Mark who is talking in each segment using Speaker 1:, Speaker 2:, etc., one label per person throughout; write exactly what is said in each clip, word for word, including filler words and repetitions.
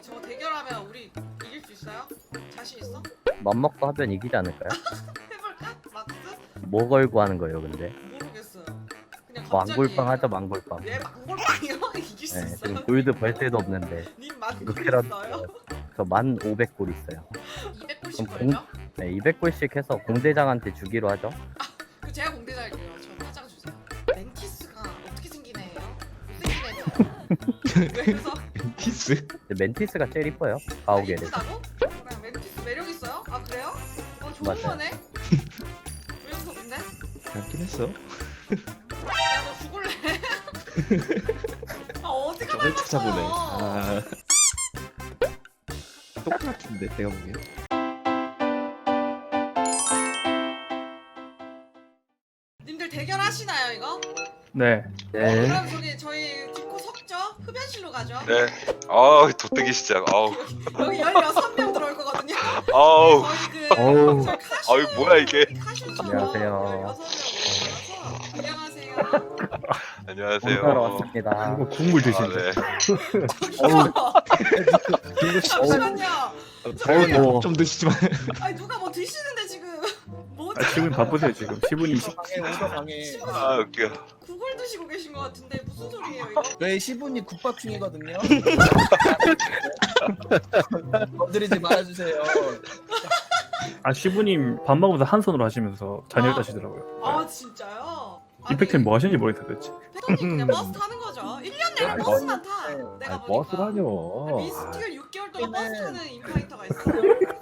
Speaker 1: 저 대결하면 우리 이길 수 있어요? 자신 있어?
Speaker 2: 맘먹고 하면 이기지 않을까요?
Speaker 1: 해볼까? 막스?
Speaker 2: 뭐 걸고 하는 거예요 근데?
Speaker 1: 모르겠어요. 그냥 갑자기.
Speaker 2: 망골빵 하자 망골빵.
Speaker 1: 얘 망골빵이요? 이길 수
Speaker 2: 네,
Speaker 1: 있어요?
Speaker 2: 지금 골드 벌새도 없는데
Speaker 1: 님
Speaker 2: 이거
Speaker 1: 만골
Speaker 2: 캐럿
Speaker 1: 있어요?
Speaker 2: 저만 오백 골 있어요.
Speaker 1: 이백 골씩
Speaker 2: 그럼 공-
Speaker 1: 걸죠?
Speaker 2: 네, 이백 골씩 해서 공대장한테 주기로 하죠.
Speaker 1: 그 제가 공대 살게요. 저 화장 주세요. 멘티스가 어떻게 생긴 애예요? 못생긴 애예요. 그래서
Speaker 3: 티스?
Speaker 2: 근데 멘티스가 제일 이뻐요. 가오게를.
Speaker 1: 이쁘다고? 그냥 멘티스 매력 있어요? 아 그래요? 어 좋은
Speaker 2: 맞아요.
Speaker 1: 거네. 왜 무섭는데?
Speaker 3: 닮긴 했어.
Speaker 1: 야너 죽을래? 아 어디가
Speaker 3: 저걸 찾아보네.
Speaker 1: 닮았어요?
Speaker 3: 아. 똑같은데 내가 보기엔.
Speaker 1: 님들 대결하시나요 이거?
Speaker 4: 네.
Speaker 2: 네.
Speaker 1: 그럼 저기 저희 뒷코 섰죠? 흡연실로 가죠?
Speaker 5: 네. 아, 돗대기 시작. 아우.
Speaker 1: 여기 열여섯 명 들어올 거거든요.
Speaker 5: 아우.
Speaker 1: 저희 그
Speaker 2: 어우.
Speaker 1: 저희 카슈
Speaker 5: 아유, 뭐야, 이게.
Speaker 1: 카슈처럼
Speaker 2: 안녕하세요.
Speaker 1: 열여섯 명 모여서 안녕하세요.
Speaker 5: 안녕하세요.
Speaker 2: 공사로 왔습니다.
Speaker 4: 이거 국물
Speaker 5: 아,
Speaker 4: 드시네.
Speaker 5: 네.
Speaker 1: 저기요. 잠시만요.
Speaker 3: 어. 좀 드시지만.
Speaker 1: 아니 누가 뭐 드시는데 지금 뭐지?
Speaker 4: 아, 지금 바쁘세요 지금. 십 분 이십.
Speaker 5: 아, 웃겨.
Speaker 1: 국을 드시고 계신 것 같은데 무슨 소리예요 이거?
Speaker 6: 저희 시분이 국밥 중이거든요. 건드리지 말아주세요.
Speaker 4: 아 시부님 밥 먹으면서 한 손으로 하시면서 잔열 따시더라고요.
Speaker 1: 아 진짜요?
Speaker 4: 이펙트는 뭐 하시는지 모르겠어요 도대체.
Speaker 1: 패더님 그냥 버스 타는 거죠. 일 년 내내
Speaker 6: 아니,
Speaker 1: 버스만 타.
Speaker 6: 네.
Speaker 1: 내가
Speaker 3: 아니,
Speaker 1: 보니까.
Speaker 3: 버스라뇨.
Speaker 1: 미스틱을 육 개월 동안
Speaker 6: 네.
Speaker 1: 버스 타는 인파이터가 있어요.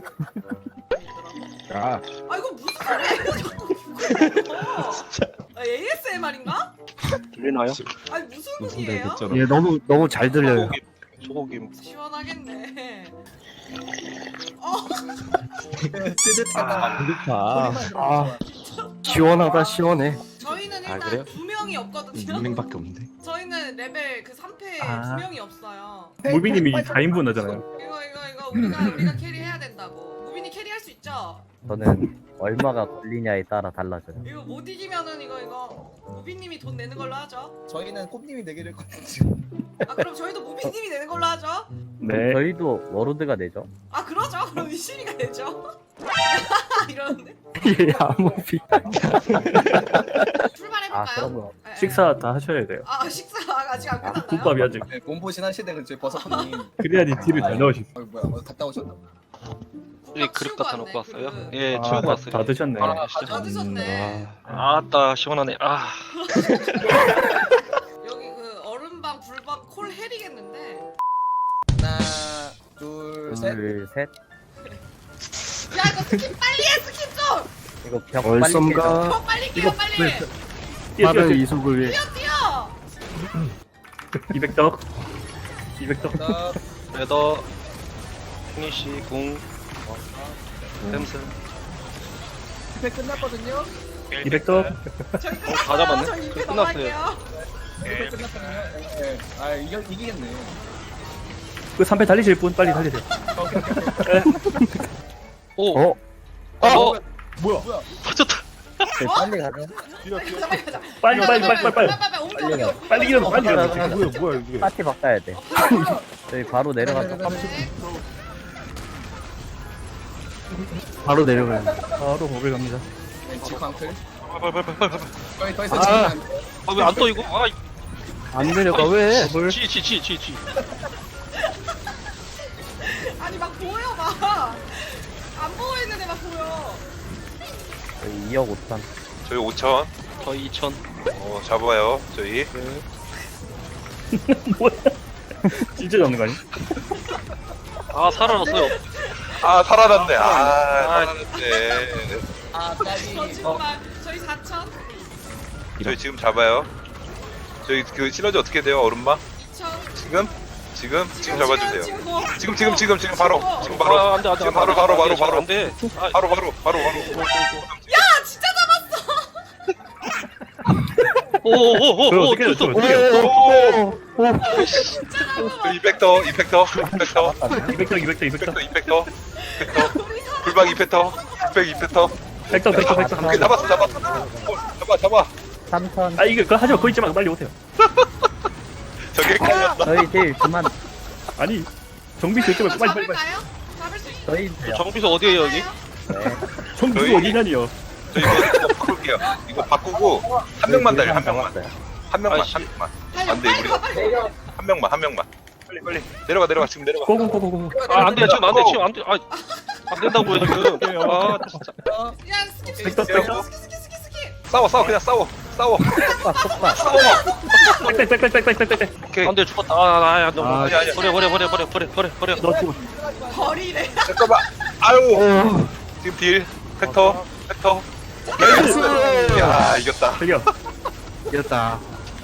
Speaker 3: 야,
Speaker 1: 아 이거 무슨 소리야? 자꾸 그거예요. 아, 에이에스엠알인가?
Speaker 7: 들리나요?
Speaker 1: 아니 무슨
Speaker 3: 무슨
Speaker 1: 곡이에요?
Speaker 3: 대겠잖아.
Speaker 7: 예, 너무 너무 잘 들려요.
Speaker 5: 소고기.
Speaker 1: 시원하겠네. 어,
Speaker 6: 뜨뜻하다.
Speaker 3: 아,
Speaker 7: 아, 시원하다 시원해.
Speaker 1: 저희는
Speaker 3: 아,
Speaker 1: 일단
Speaker 3: 그래요?
Speaker 1: 두 명이 없거든요.
Speaker 3: 육명밖에 없는데.
Speaker 1: 저희는 레벨 그 삼 패
Speaker 4: 아.
Speaker 1: 두 명이 없어요.
Speaker 4: 무비님이 사 인분 하잖아요.
Speaker 1: 이거 이거 이거 우리가 우리가 캐리해야 된다고. 무빈이 캐리할 수 있죠?
Speaker 2: 저는 얼마가 걸리냐에 따라 달라져요.
Speaker 1: 이거 못 이기면은 이거 이거 무빈님이 돈 내는 걸로 하죠.
Speaker 6: 저희는 꼽님이 내기를 거든요.
Speaker 1: 아 그럼 저희도 무빈님이 내는 걸로 하죠.
Speaker 4: 네.
Speaker 2: 저희도 워로드가 되죠.
Speaker 1: 아 그러죠. 그럼 유심이가 되죠. 이러는데
Speaker 7: 예, 아무 비.
Speaker 1: 출발해볼까요?
Speaker 2: 아 그러면
Speaker 1: 예, 예.
Speaker 4: 식사 다 하셔야 돼요.
Speaker 1: 아 식사 아직 안 끝났나요?
Speaker 4: 국밥이 아직.
Speaker 6: 네, 몸보신 하시네 그 저희 버섯님.
Speaker 4: 그래야지 딜을 잘 넣으시.
Speaker 6: 어 뭐야 어디 갔다 오셨나?
Speaker 7: 예, 그릇 갖다 놓고 왔어요. 예,
Speaker 4: 아,
Speaker 7: 치우고
Speaker 4: 다,
Speaker 7: 왔어요.
Speaker 4: 다 드셨네.
Speaker 7: 아,
Speaker 1: 다 드셨네.
Speaker 7: 아따 시원하네. 아,
Speaker 1: 여기 그 얼음방 불박 콜 헬이겠는데.
Speaker 6: 하나, 둘, 셋.
Speaker 2: 둘, 셋.
Speaker 1: 야 이거 스킵 빨리 해 스킵 좀.
Speaker 2: 이거 벽 빨리 깨죠.
Speaker 7: 얼썸가
Speaker 1: 더 빨리 깨요 빨리.
Speaker 4: 뛰어, 뛰어,
Speaker 7: 빠른
Speaker 4: 뛰어.
Speaker 7: 이속을 위해
Speaker 1: 뛰어 뛰어.
Speaker 4: 이백 덕. 이백 덕.
Speaker 6: 자,
Speaker 7: 레더, 피니시, 궁, 템슨.
Speaker 6: 집회 끝났거든요.
Speaker 4: 이백 덕.
Speaker 1: 저희
Speaker 7: 어, 다 잡았네.
Speaker 1: 저희 이패
Speaker 7: 끝났어요.
Speaker 1: 넘어갈게요.
Speaker 6: 집회 끝났거든요. 네, 네. 아 이겨 이기겠네.
Speaker 4: 그 삼 패 달리실 분 빨리 달리세요.
Speaker 7: 오,
Speaker 2: 어?
Speaker 7: 어,
Speaker 6: 뭐야?
Speaker 7: 터졌다.
Speaker 2: 네, 빨리 가죠.
Speaker 1: 빨리 가자 빨리 가자.
Speaker 4: 빨리 빨리 빨리 빨리 빨리.
Speaker 1: 빨리 옮겨
Speaker 2: 빨리
Speaker 1: 옮겨.
Speaker 2: 가.
Speaker 4: 빨리 일어나 빨리 일어나.
Speaker 2: 뭐야,
Speaker 4: 지금.
Speaker 3: 뭐야, 뭐야 이게?
Speaker 2: 파티 바꿔야 돼. 저희 바로 내려가서
Speaker 1: 네.
Speaker 7: 바로 내려가요.
Speaker 4: 바로 목을 갑니다.
Speaker 6: 왼치 광클.
Speaker 7: 빨빨빨빨빨.
Speaker 6: 거의 더 이상
Speaker 7: 아.
Speaker 6: 지면 안 돼.
Speaker 7: 아, 왜 안 떠 이거? 아, 안 내려가 왜? 지, 지, 지, 지, 지.
Speaker 1: 아니 막 보여 막. 안 보고 있는데 막 보여.
Speaker 2: 저희 이억 오천.
Speaker 5: 저희 오천.
Speaker 7: 저 이천.
Speaker 5: 어, 잡아요. 저희.
Speaker 4: 뭐야? 진짜 잡는 거 아니?
Speaker 7: 아, 살아났어요.
Speaker 5: 아, 살아났네. 아,
Speaker 7: 아.
Speaker 5: 살아났네.
Speaker 6: 아
Speaker 1: 저
Speaker 6: 까비.
Speaker 1: 정말 저희 사천.
Speaker 5: 저희 지금 잡아요. 저희 그 시너지 어떻게 돼요? 얼음마?
Speaker 1: 이천.
Speaker 5: 지금? 지금? 지금 잡아주세요.
Speaker 1: 지금 뭐.
Speaker 5: 지금 지금 지금 지금 바로. 지금 바로.
Speaker 7: 아, 안 돼, 안 돼,
Speaker 5: 지금
Speaker 7: 안 돼,
Speaker 5: 바로 바로
Speaker 7: 안 돼,
Speaker 5: 바로 바로.
Speaker 7: 안 돼. 아,
Speaker 5: 바로 바로 바로 바로.
Speaker 1: 아 진짜 잡았어.
Speaker 7: 오, 오, 오,
Speaker 4: 그럼
Speaker 7: 오,
Speaker 4: 어떻게 해요?
Speaker 7: 또, 또.
Speaker 4: 어떻게 해요?
Speaker 1: 진짜 잡았어.
Speaker 5: 이백 더 이백 더 이백 더
Speaker 4: 이백 덕 이백 덕 이백 덕.
Speaker 5: 이백 더 이백 더
Speaker 1: 우리 사.
Speaker 5: 불방 이백 더 육백 이백 더
Speaker 4: 백 덕 백 덕 백 덕.
Speaker 5: 오케이 잡았어 잡았어 어, 잡아 잡아
Speaker 2: 삼천.
Speaker 4: 아 이거 그거 하지 마. 거기 있지 말고 빨리 오세요.
Speaker 5: 저게 헷갈렸어
Speaker 2: 저희 딜 그만.
Speaker 4: 아니 정비 결정을
Speaker 1: 이거
Speaker 4: 빨리 빨리 빨리.
Speaker 1: 잡을까요? 잡을 수 있어요?
Speaker 2: 저희
Speaker 7: 저 정비소 어디에요 여기?
Speaker 2: 네.
Speaker 4: 정비
Speaker 5: 저희-
Speaker 4: 어디냐니요?
Speaker 5: 저 이거, 이거 바꿀게요. 이거 바꾸고 한 명만 달려 한 명만
Speaker 2: 잡았어요.
Speaker 5: 한 명만
Speaker 7: 아이씨.
Speaker 5: 한 명만
Speaker 1: 달려
Speaker 5: 안 돼,
Speaker 1: 빨리
Speaker 5: 우리-
Speaker 1: 가 빨리 가.
Speaker 5: 한 명만 한 명만 빨리 빨리 내려가 내려가 지금 내려가.
Speaker 4: 고고고고고.
Speaker 7: 아 안돼 지금 안돼 지금 안돼 아, 안 된다고요 지금 아 진짜
Speaker 1: 야 스킵 스킵
Speaker 4: 백도,
Speaker 1: 스킵
Speaker 4: 백도.
Speaker 1: 스킵 스킵 스킵 스킵.
Speaker 5: 싸워 싸워 그냥 싸워 싸워
Speaker 2: 속박 속박.
Speaker 5: 싸워.
Speaker 4: 땡땡땡땡땡땡땡.
Speaker 5: 오케이.
Speaker 7: 안돼 죽었다 아아 너무
Speaker 4: 아,
Speaker 5: 아니, 아니.
Speaker 7: 버려 버려 버려 버려 버려 버려 버려
Speaker 4: 너 죽어.
Speaker 1: 버리래.
Speaker 5: 잠깐만. 아유. 지금 딜 팩터 팩터. 나이스. 야 이겼다.
Speaker 4: 저기요.
Speaker 3: 이겼다.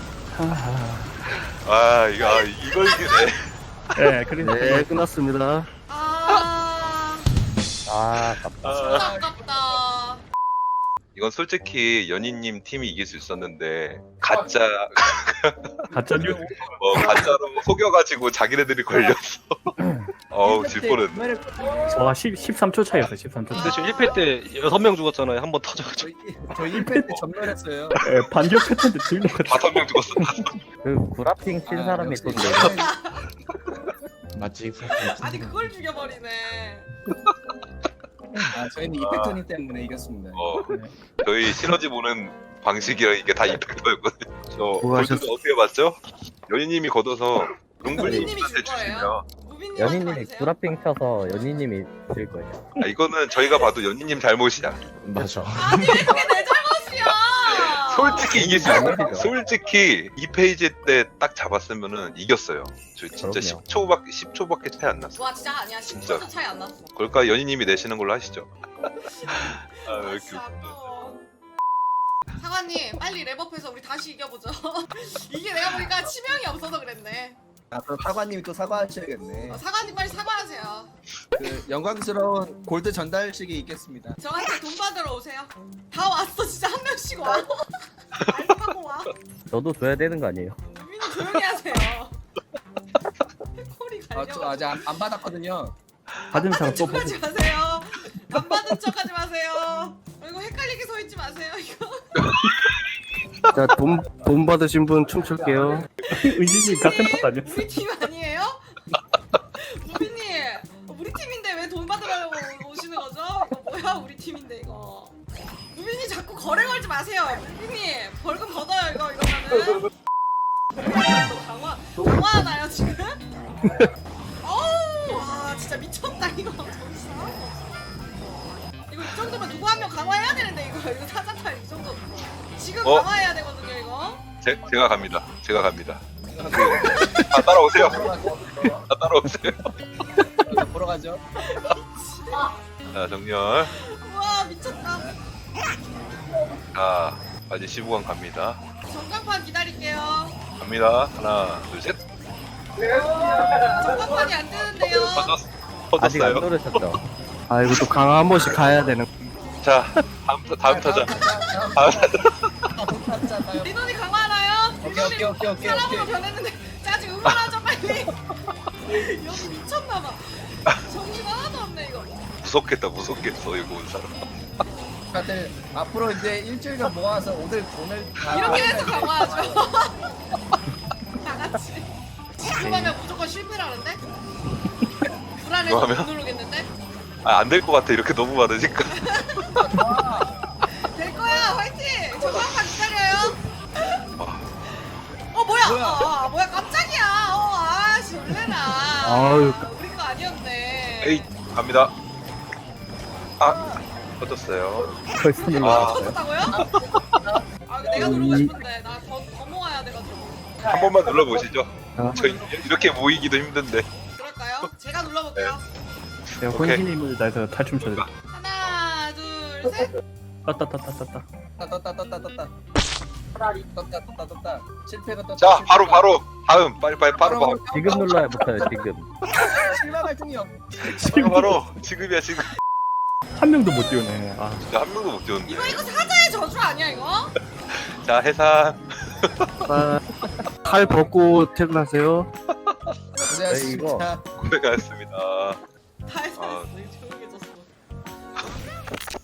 Speaker 5: 아 이거 아, 이걸 이기네.
Speaker 4: 예, 그래서
Speaker 3: 네, 끝났습니다.
Speaker 1: 아
Speaker 2: 아 아깝다.
Speaker 5: 아,
Speaker 1: 아깝다.
Speaker 5: 이건 솔직히 연희님 팀이 이길 수 있었는데 가짜
Speaker 4: 가짜 뉴.
Speaker 5: 뭐 가짜로 속여가지고 자기네들이 걸렸어. 어우 질 뻔했네.
Speaker 4: 와, 십, 십삼 초 차이였어. 십삼 초.
Speaker 7: 근데 지금 일 패 때 여섯 명 죽었잖아요 한 번 터져가지고
Speaker 6: 저희 저희 일 패 때 전멸했어요.
Speaker 4: 예, 반격 패턴데 들린 것 같아.
Speaker 5: 다섯 명 죽었어.
Speaker 2: 그 구라핑 친
Speaker 6: 아,
Speaker 2: 사람이
Speaker 6: 역시.
Speaker 2: 돈 내고.
Speaker 3: 맞지?
Speaker 1: 아니 그걸 죽여버리네.
Speaker 6: 아 저희는 이펙터님 때문에 이겼습니다.
Speaker 5: 어 저희 시너지 보는 방식이랑 이게 다 이펙터였거든요. 저
Speaker 3: 수고하셨-
Speaker 5: 골드 어떻게 봤죠? 연희님이 걷어서
Speaker 1: 연희님이
Speaker 5: 용불님한테
Speaker 1: 줄 거예요.
Speaker 5: 주시면
Speaker 1: 무빈님
Speaker 2: 연희님이 구라핑 쳐서 연희님이 질 거예요.
Speaker 5: 아, 이거는 저희가 봐도 연희님 잘못이야.
Speaker 3: 맞아.
Speaker 1: 아니 왜 그게 내 잘못이야?
Speaker 5: 솔직히 이길 수 있어.
Speaker 2: 잘못이죠.
Speaker 5: 솔직히 이 페이지 때 딱 잡았으면은 이겼어요. 저 진짜
Speaker 2: 그럼요.
Speaker 5: 십 초밖에 십 초밖에 차이 안 났어.
Speaker 1: 와 진짜 아니야. 십
Speaker 5: 진짜.
Speaker 1: 초도 차이 안 났어.
Speaker 5: 그럴까 연희님이 내시는 걸로 하시죠. 아, 왜 이렇게
Speaker 1: 진짜
Speaker 5: 웃겨.
Speaker 1: 아까워. 사관님 빨리 랩업해서 우리 다시 이겨보죠. 이게 내가 보니까 치명이 없어서 그랬네.
Speaker 6: 아 그럼 사관님이 또 사과하셔야겠네.
Speaker 1: 어, 사관님 빨리 사과하세요.
Speaker 6: 그 영광스러운 골드 전달식이 있겠습니다.
Speaker 1: 저한테 돈 받으러 오세요. 다 왔어 진짜 한 명씩 와. 알파고 와.
Speaker 2: 저도 줘야 되는 거 아니에요?
Speaker 1: 유민이 조용히 하세요. 콜이
Speaker 6: 아
Speaker 1: 갈려.
Speaker 6: 저 아직 안, 안 받았거든요.
Speaker 4: 받은 사람 또 보고.
Speaker 1: 척하지 마세요. 안 받은 척하지 마세요. 이거 헷갈리게 서 있지 마세요. 이거.
Speaker 3: 자, 돈, 돈 받으신 분 춤출게요.
Speaker 4: 의지님 같은 팟 아니었어?
Speaker 1: 우리 팀 아니에요? 무빈님 우리 팀인데 왜 돈 받으려고 오시는 거죠? 이거 뭐야 우리 팀인데 이거. 무빈님 자꾸 거래 걸지 마세요. 무빈님 벌금 걷어요 이거 이거는. 너 강화 강화하나요 지금? 어우 와 진짜 미쳤다 이거. 정신 나간 거 없어. 이거 이 정도면 누구 한 명 강화해야 되는데 이거 이거 사자탈 이 정도. 지금
Speaker 5: 어?
Speaker 1: 강화해야 되거든요 이거.
Speaker 5: 제, 제가 갑니다. 제가 갑니다. 아 따라오세요. 아 따라오세요.
Speaker 6: 보러 가죠.
Speaker 5: 자 정렬.
Speaker 1: 와 미쳤다.
Speaker 5: 자 아직 십오 강 갑니다.
Speaker 1: 전광판 기다릴게요.
Speaker 5: 갑니다. 하나 둘 셋.
Speaker 1: 전광판이 안 뜨는데요.
Speaker 5: 터졌,
Speaker 2: 아직 안
Speaker 5: 터졌어요.
Speaker 2: 누르셨죠?
Speaker 3: 아, 이거 또 강화 한 번씩 가야 되는.
Speaker 5: 자 다음 타- 다음 타자. 다음 타자.
Speaker 1: 리논이 강화하나요?
Speaker 6: 오케이 오케이 오케이 오케이
Speaker 1: 사람으로
Speaker 6: 오케이.
Speaker 1: 변했는데 짜증 응원하죠 빨리. 여기 미쳤나봐. 정신 하나도 없네 이거.
Speaker 5: 무섭겠다 무섭겠어 이거 온 사람.
Speaker 6: 다들 앞으로 이제 일주일간 모아서 오늘 오늘 다
Speaker 1: 이렇게 해서 강화하죠. 다 같이. 지금 하면 무조건 실패라는데? 불안해서
Speaker 5: 이거
Speaker 1: 못
Speaker 5: 하면?
Speaker 1: 누르겠는데?
Speaker 5: 아 안 될 것 같아 이렇게 너무 많으니까.
Speaker 1: 될 거야 화이팅! 전광판 기다려요. 어 뭐야?
Speaker 6: 뭐야?
Speaker 1: 아, 뭐야 깜짝이야. 어 아씨 놀래라.
Speaker 3: 아유.
Speaker 1: 우리 거 아니었네.
Speaker 5: 에이 갑니다. 아 터졌어요.
Speaker 2: 벌써
Speaker 5: 아.
Speaker 2: 눌렀어요.
Speaker 1: 터졌다고요? 아 내가 누르고 싶은데 나 더 더 모아야 돼가지고.
Speaker 5: 한 번만 눌러보시죠.
Speaker 3: 아.
Speaker 5: 저 이렇게 모이기도 힘든데.
Speaker 1: 그럴까요? 제가 눌러볼게요.
Speaker 4: 제가
Speaker 5: 오케이.
Speaker 4: 혼신임을 다해서 탈춤 춰드릴게요.
Speaker 1: 하나 둘 셋.
Speaker 4: 따따따따따따.
Speaker 6: 떴다 떴다 떴다 떴다. 떴다 떴다 떴다. 실패가 떴다.
Speaker 5: 자
Speaker 6: 실패가.
Speaker 5: 바로 바로 다음 빨리 빨리 바로 바로
Speaker 2: 지금 눌러야 붙어요. 지금.
Speaker 6: 실망할 틈이 없.
Speaker 5: 바로 바로 지금이야 지금.
Speaker 4: 한 명도 못 띄우네. 아,
Speaker 5: 진짜 한 명도 못 뛰었는데.
Speaker 1: 이거 이거 사자의 저주 아니야 이거?
Speaker 5: 자 해산.
Speaker 3: 아, 칼 벗고 퇴근하세요.
Speaker 6: 고생하셨습니다.
Speaker 5: 고생하셨습니다.
Speaker 1: 다 해서
Speaker 5: 아.
Speaker 1: 조용해졌어.